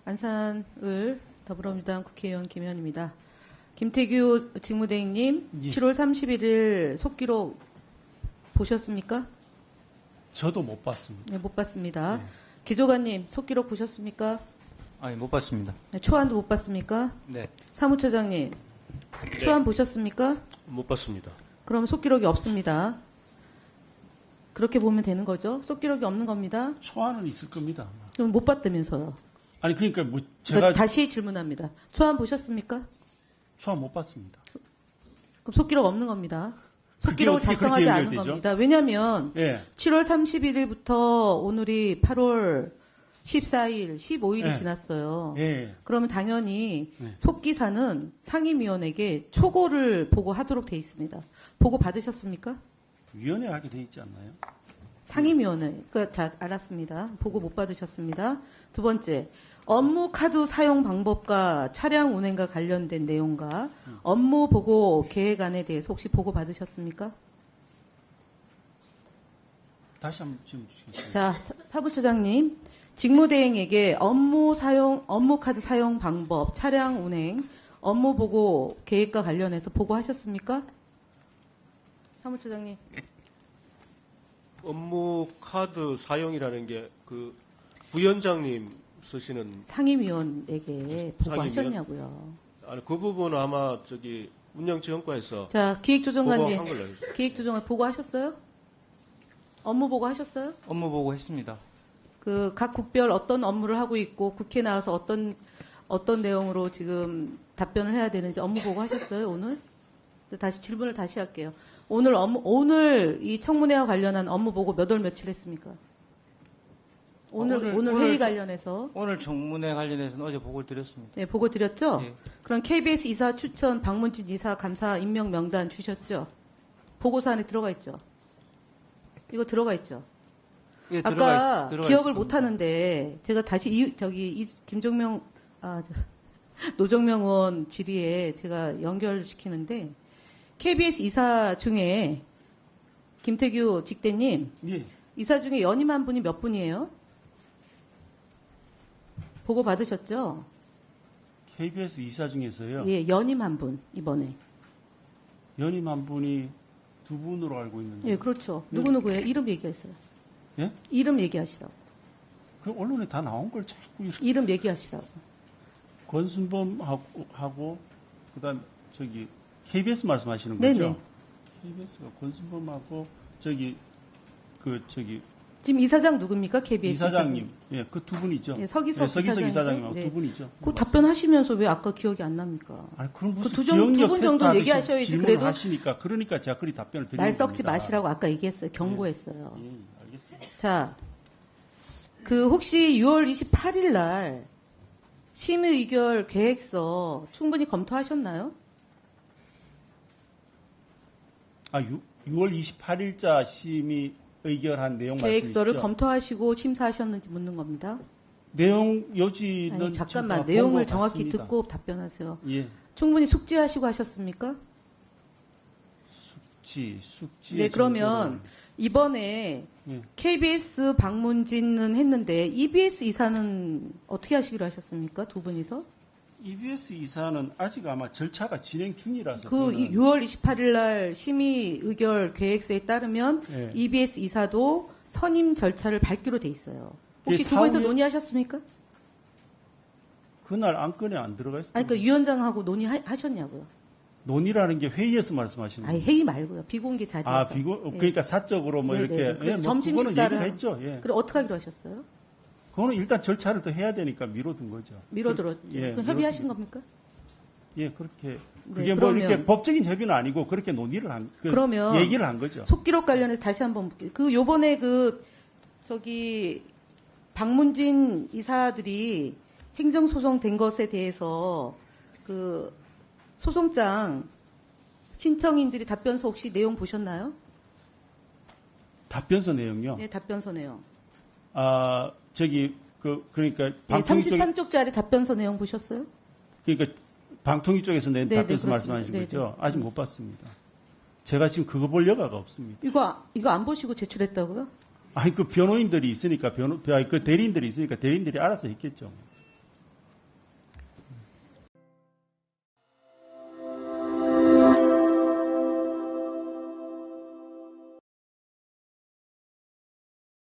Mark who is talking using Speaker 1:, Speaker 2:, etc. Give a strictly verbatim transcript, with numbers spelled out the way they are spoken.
Speaker 1: 안산을 더불어민주당 국회의원 김현입니다. 김태규 직무대행님,
Speaker 2: 예.
Speaker 1: 칠월 삼십일일 속기록 보셨습니까?
Speaker 2: 저도 못 봤습니다.
Speaker 1: 네, 못 봤습니다.
Speaker 2: 네.
Speaker 1: 기조관님, 속기록 보셨습니까?
Speaker 3: 아니, 못 봤습니다.
Speaker 1: 네, 초안도 못 봤습니까?
Speaker 3: 네.
Speaker 1: 사무처장님, 초안 보셨습니까?
Speaker 4: 못 봤습니다.
Speaker 1: 그럼 속기록이 없습니다. 그렇게 보면 되는 거죠? 속기록이 없는 겁니다.
Speaker 2: 초안은 있을 겁니다. 아마.
Speaker 1: 그럼 못 봤다면서요.
Speaker 2: 아니 그러니까 뭐 제가
Speaker 1: 그러니까 다시 질문합니다. 초안 보셨습니까?
Speaker 2: 초안 못 봤습니다.
Speaker 1: 그럼 속기록 없는 겁니다. 속기록을
Speaker 2: 어떻게
Speaker 1: 작성하지
Speaker 2: 그렇게
Speaker 1: 않은
Speaker 2: 연결되죠?
Speaker 1: 겁니다. 왜냐하면
Speaker 2: 예.
Speaker 1: 칠월 삼십일일부터 오늘이 팔월 십사일, 십오일이
Speaker 2: 예.
Speaker 1: 지났어요.
Speaker 2: 예.
Speaker 1: 그러면 당연히
Speaker 2: 예.
Speaker 1: 속기사는 상임위원에게 초고를 보고하도록 돼 있습니다. 보고 받으셨습니까?
Speaker 2: 위원회 하게 돼 있지 않나요?
Speaker 1: 상임위원회. 그, 자, 알았습니다. 보고 못 받으셨습니다. 두 번째, 업무 카드 사용 방법과 차량 운행과 관련된 내용과 업무 보고 계획안에 대해서 혹시 보고 받으셨습니까?
Speaker 2: 다시 한번 질문 주시겠어요?
Speaker 1: 자, 사- 사부처장님, 직무대행에게 업무 사용, 업무 카드 사용 방법, 차량 운행, 업무 보고 계획과 관련해서 보고하셨습니까? 사무처장님.
Speaker 4: 업무 카드 사용이라는 게 그 부위원장님 쓰시는
Speaker 1: 상임위원에게
Speaker 4: 상임위원?
Speaker 1: 보고하셨냐고요.
Speaker 4: 아니 그 부분은 아마 저기 운영지원과에서
Speaker 1: 자, 기획조정관님,
Speaker 4: 보고한 걸로 알고 있습니다.
Speaker 1: 기획조정관 보고하셨어요? 업무 보고하셨어요?
Speaker 3: 업무 보고 했습니다.
Speaker 1: 그 각 국별 어떤 업무를 하고 있고 국회 나와서 어떤 어떤 내용으로 지금 답변을 해야 되는지 업무 보고하셨어요 오늘? 다시 질문을 다시 할게요. 오늘 업무 오늘 이 청문회와 관련한 업무 보고 몇 월 며칠 했습니까? 오늘
Speaker 3: 어, 오늘-
Speaker 1: 오늘,
Speaker 3: 오늘
Speaker 1: 회의
Speaker 3: 저-
Speaker 1: 관련해서
Speaker 3: 오늘 청문회 관련해서는 어제 보고를 드렸습니다.
Speaker 1: 네 보고 드렸죠?
Speaker 3: 예.
Speaker 1: 그럼 케이비에스 이사 추천 박문진 이사 감사 임명 명단 주셨죠? 보고서 안에 들어가 있죠? 이거 들어가 있죠?
Speaker 3: 예, 들어가
Speaker 1: 아까
Speaker 3: 있, 들어가
Speaker 1: 기억을
Speaker 3: 있습니다.
Speaker 1: 못 하는데 제가 다시 이, 저기 이, 김종명 아 저, 노정명 의원 질의에 제가 연결시키는데 케이비에스 이사 중에 김태규 직대님
Speaker 2: 예.
Speaker 1: 이사 중에 연임한 분이 몇 분이에요? 보고 받으셨죠?
Speaker 2: 케이비에스 이사 중에서요.
Speaker 1: 예, 연임한 분 이번에.
Speaker 2: 연임 한 분이 두 분으로 알고 있는데.
Speaker 1: 예, 그렇죠. 누구 누구예요? 이름 얘기하세요.
Speaker 2: 예?
Speaker 1: 이름 얘기하시라고.
Speaker 2: 그 언론에 다 나온 걸 자꾸 이렇게
Speaker 1: 이름 얘기하시라고.
Speaker 2: 권순범하고 하고 그다음 저기 케이비에스 말씀하시는 거죠?
Speaker 1: 네네.
Speaker 2: 케이비에스가 권순범하고 저기 그 저기
Speaker 1: 지금 이사장 누굽니까? 케이비에스
Speaker 2: 이사장님, 예, 그 두 분이죠.
Speaker 1: 예, 서기석
Speaker 2: 서기석
Speaker 1: 이사장이죠?
Speaker 2: 이사장님하고
Speaker 1: 네.
Speaker 2: 두 분이죠.
Speaker 1: 그 답변하시면서 왜 아까 기억이 안 납니까?
Speaker 2: 아니 그럼
Speaker 1: 그
Speaker 2: 무슨
Speaker 1: 두 정-
Speaker 2: 기억력
Speaker 1: 두분
Speaker 2: 테스트
Speaker 1: 정도
Speaker 2: 하듯이
Speaker 1: 얘기하셔야지.
Speaker 2: 질문을
Speaker 1: 그래도
Speaker 2: 하시니까 그러니까 제가 그리 답변을 드리는
Speaker 1: 말 섞지
Speaker 2: 겁니다.
Speaker 1: 마시라고 아까 얘기했어요. 경고했어요.
Speaker 2: 예, 알겠습니다.
Speaker 1: 자, 그 혹시 유월 이십팔일 날 심의 의결 계획서 충분히 검토하셨나요?
Speaker 2: 아, 유, 유월 이십팔일자 심의 의결한 내용
Speaker 1: 계획서를
Speaker 2: 말씀이시죠?
Speaker 1: 검토하시고 심사하셨는지 묻는 겁니다.
Speaker 2: 내용 요지는
Speaker 1: 아니 잠깐만
Speaker 2: 제가
Speaker 1: 내용을
Speaker 2: 본 것
Speaker 1: 정확히
Speaker 2: 같습니다.
Speaker 1: 듣고 답변하세요.
Speaker 2: 예,
Speaker 1: 충분히 숙지하시고 하셨습니까?
Speaker 2: 숙지, 숙지.
Speaker 1: 네, 그러면 이번에
Speaker 2: 예.
Speaker 1: 케이비에스 방문진은 했는데 이비에스 이사는 어떻게 하시기로 하셨습니까? 두 분이서?
Speaker 2: 이비에스 이사는 아직 아마 절차가 진행 중이라서
Speaker 1: 그
Speaker 2: 그거는
Speaker 1: 유월 이십팔일 날 심의 의결 계획서에 따르면
Speaker 2: 예.
Speaker 1: 이비에스 이사도 선임 절차를 밟기로 돼 있어요. 혹시
Speaker 2: 예,
Speaker 1: 두 분이서
Speaker 2: 사후에-
Speaker 1: 논의하셨습니까?
Speaker 2: 그날 안건에 안 들어가 있어요.
Speaker 1: 아니, 그러니까 위원장하고 논의하셨냐고요?
Speaker 2: 논의라는 게 회의에서 말씀하시는
Speaker 1: 아니,
Speaker 2: 거예요.
Speaker 1: 회의 말고요. 비공개 자리에서.
Speaker 2: 아, 비고
Speaker 1: 예.
Speaker 2: 그러니까 사적으로 뭐
Speaker 1: 네,
Speaker 2: 이렇게
Speaker 1: 네, 네. 그래서
Speaker 2: 예, 뭐
Speaker 1: 점심
Speaker 2: 그거는
Speaker 1: 식사를
Speaker 2: 얘기가
Speaker 1: 하-
Speaker 2: 했죠. 예.
Speaker 1: 그럼 어떻게 하기로 하셨어요?
Speaker 2: 그거는 일단 절차를 더 해야 되니까 미뤄둔 거죠.
Speaker 1: 미뤄들었죠.
Speaker 2: 예,
Speaker 1: 그럼 협의하신
Speaker 2: 미뤄둔-
Speaker 1: 겁니까?
Speaker 2: 예, 그렇게
Speaker 1: 네,
Speaker 2: 그게 뭐
Speaker 1: 그러면-
Speaker 2: 이렇게 법적인 협의는 아니고 그렇게 논의를 한 그
Speaker 1: 그러면
Speaker 2: 얘기를 한 거죠.
Speaker 1: 속기록 관련해서 다시 한번 볼게요. 그 요번에 그 저기 박문진 이사들이 행정소송 된 것에 대해서 그 소송장 신청인들이 답변서 혹시 내용 보셨나요?
Speaker 2: 답변서 내용요.
Speaker 1: 네, 답변서 내용.
Speaker 2: 아, 저기 그 그러니까
Speaker 1: 네,
Speaker 2: 방통위 쪽
Speaker 1: 삼십삼 쪽짜리 답변서 내용 보셨어요?
Speaker 2: 그러니까 방통위 쪽에서 낸
Speaker 1: 네, 네,
Speaker 2: 답변서
Speaker 1: 그렇습니다.
Speaker 2: 말씀하신
Speaker 1: 네,
Speaker 2: 거죠.
Speaker 1: 네.
Speaker 2: 아직 못 봤습니다. 제가 지금 그거 볼 여가가 없습니다.
Speaker 1: 이거 이거 안 보시고 제출했다고요?
Speaker 2: 아니 그 변호인들이 있으니까 변호 아니, 그 대리인들이 있으니까 대리인들이 알아서 했겠죠.